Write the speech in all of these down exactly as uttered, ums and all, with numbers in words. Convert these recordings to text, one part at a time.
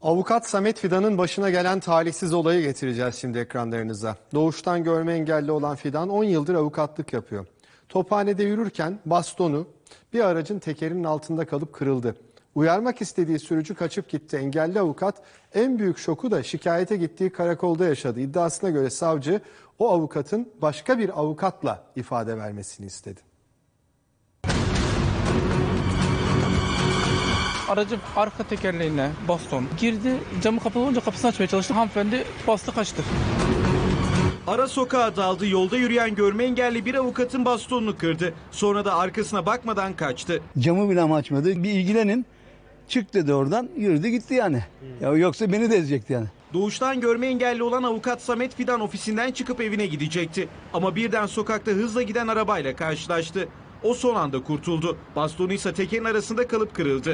Avukat Samet Fidan'ın başına gelen talihsiz olayı getireceğiz şimdi ekranlarınıza. Doğuştan görme engelli olan Fidan on yıldır avukatlık yapıyor. Tophanede yürürken bastonu bir aracın tekerinin altında kalıp kırıldı. Uyarmak istediği sürücü kaçıp gitti. Engelli avukat en büyük şoku da şikayete gittiği karakolda yaşadı. İddiasına göre savcı o avukatın başka bir avukatla ifade vermesini istedi. Aracın arka tekerleğine baston girdi. Camı kapalı olunca kapısını açmaya çalıştı. Hanımefendi bastı kaçtı. Ara sokağa daldı, yolda yürüyen görme engelli bir avukatın bastonunu kırdı. Sonra da arkasına bakmadan kaçtı. Camı bile açmadı. Bir ilgilenin. Çık dedi oradan, yürüdü gitti yani. Ya yoksa beni de ezecekti yani. Doğuştan görme engelli olan avukat Samet Fidan ofisinden çıkıp evine gidecekti. Ama birden sokakta hızla giden arabayla karşılaştı. O son anda kurtuldu. Bastonu ise tekerin arasında kalıp kırıldı.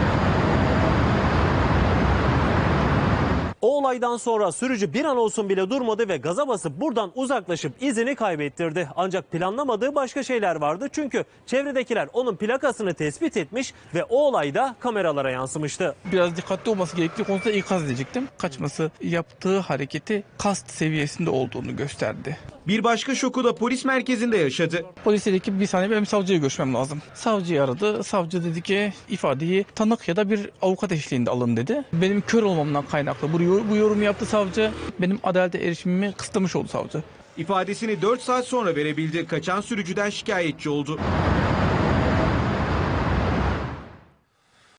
O olaydan sonra sürücü bir an olsun bile durmadı ve gaza basıp buradan uzaklaşıp izini kaybettirdi. Ancak planlamadığı başka şeyler vardı. Çünkü çevredekiler onun plakasını tespit etmiş ve o olay da kameralara yansımıştı. Biraz dikkatli olması gerektiği konusunda ikaz edecektim. Kaçması yaptığı hareketi kast seviyesinde olduğunu gösterdi. Bir başka şoku da polis merkezinde yaşadı. Polis dedi ki bir saniye benim savcıyı görüşmem lazım. Savcıyı aradı. Savcı dedi ki ifadeyi tanık ya da bir avukat eşliğinde alın dedi. Benim kör olmamdan kaynaklı bu, bu yorumu yaptı savcı. Benim adalete erişimimi kısıtlamış oldu savcı. İfadesini dört saat sonra verebildi. Kaçan sürücüden şikayetçi oldu.